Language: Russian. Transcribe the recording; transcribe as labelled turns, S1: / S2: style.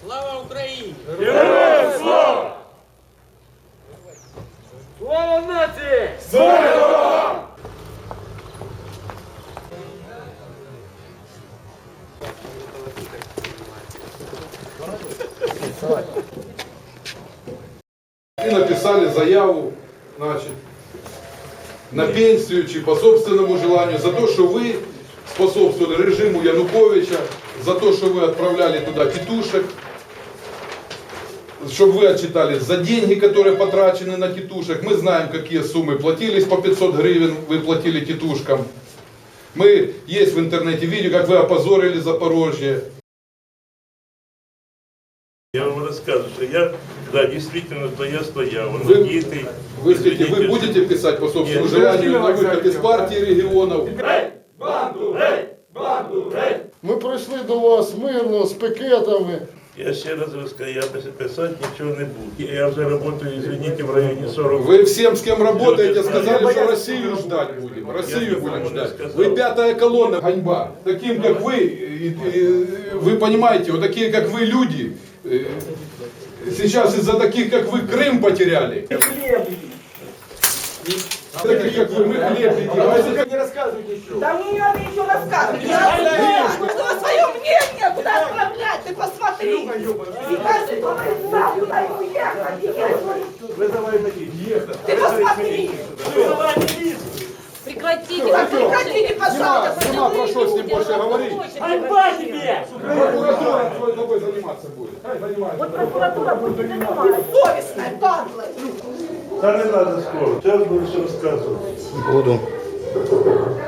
S1: Слава Україні!
S2: Героям слава!
S3: Слава нації!
S2: Слава!
S4: И написали заяву, значит, на пенсию, чи по собственному желанию, за то, что вы способствовали режиму Януковича, за то, что вы отправляли туда тетушек, чтобы вы отчитались за деньги, которые потрачены на тетушек. Мы знаем, какие суммы платились, по 500 гривен вы платили тетушкам. Мы есть в интернете видео, как вы опозорили Запорожье.
S2: Я вам рассказываю, что я, да, действительно, то я стоял.
S4: Вы будете писать по собственному желанию на выход из партии регионов?
S5: Ми прийшли до вас мирно, з пікетами.
S2: Я ще раз розкажу, я писати нічого не буду. Я вже працюю, извините, в районі 40.
S4: Вы всем, с кем работаете, сказали, что Россию ждать будем. Россию будем ждать. Вы пятая колонна, ганьба. Таким, как вы понимаете, вот такие, как вы, люди, сейчас из-за таких, как вы, Крым потеряли. Таких, как вы, мы хлеб едим.
S3: Не рассказывайте еще.
S6: Да не надо еще рассказывать. Я знаю, что свое мнение куда отправлять, ты посмотри. И каждый говорит, да, куда ему ехать.
S3: Вызывай таких.
S6: Ты посмотри.
S7: Прекратите,
S6: Прекратите, пожалуйста.
S4: Нема про что с ним больше говорить.
S7: Ганьба тебе!
S4: Прокуратура тобой заниматься будет. Хай занимается.
S6: Вот прокуратура будет заниматься. Бессовестная, падла.
S2: Та не треба скоро, зараз буду все розказувати.
S4: Буду.